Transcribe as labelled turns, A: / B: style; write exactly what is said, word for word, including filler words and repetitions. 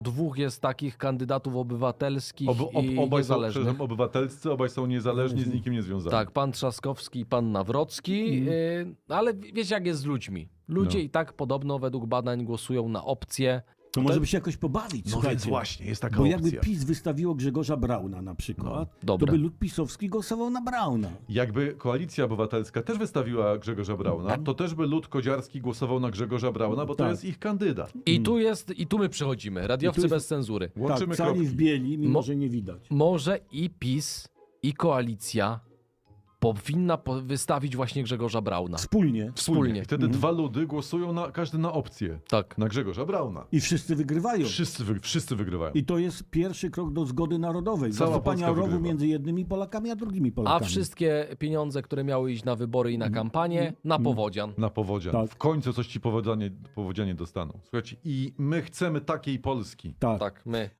A: Dwóch jest takich kandydatów obywatelskich
B: Ob, ob,
A: i
B: obaj są
A: niezależnych.
B: przepraszam, obywatelscy, obaj są niezależni, z nikim nie związani.
A: Tak, pan Trzaskowski i pan Nawrocki,
C: Mhm.
A: y, ale wiecie jak jest z ludźmi. Ludzie
B: No.
A: i tak podobno według badań głosują na opcję.
C: To może by się jakoś pobawić,
B: No
C: słuchajcie.
B: więc właśnie, jest taka
C: Bo
B: opcja.
C: jakby PiS wystawiło Grzegorza Brauna na przykład,
A: No, dobre.
C: to by lud pisowski głosował na Brauna.
B: Jakby Koalicja Obywatelska też wystawiła Grzegorza Brauna, to też by lud kodziarski głosował na Grzegorza Brauna, bo to
C: Tak.
B: jest ich kandydat.
A: I tu jest, i tu my przechodzimy. Radiowcy
C: I tu jest-
A: bez cenzury.
B: Łączymy
C: tak, cali
B: kropki.
C: w bieli, mimo
A: Mo-
C: że nie widać.
A: Może i PiS, i koalicja powinna po- wystawić właśnie Grzegorza Brauna.
C: Wspólnie.
A: Wspólnie.
B: I wtedy dwa ludy głosują na każdy na opcję.
A: Tak.
B: Na Grzegorza Brauna.
C: I wszyscy wygrywają.
B: Wszyscy, wy, wszyscy wygrywają.
C: I to jest pierwszy krok do zgody narodowej.
B: Cała
C: Zastąpania
B: Polska
C: rowu
B: wygrywa.
C: między jednymi Polakami, a drugimi
A: A
C: Polakami.
A: wszystkie pieniądze, które miały iść na wybory i na kampanię, na powodzian.
B: Na powodzian.
C: Tak.
B: W końcu coś ci powodzianie, powodzianie dostaną. Słuchajcie, i my chcemy takiej Polski.
C: Tak.
A: Tak, my.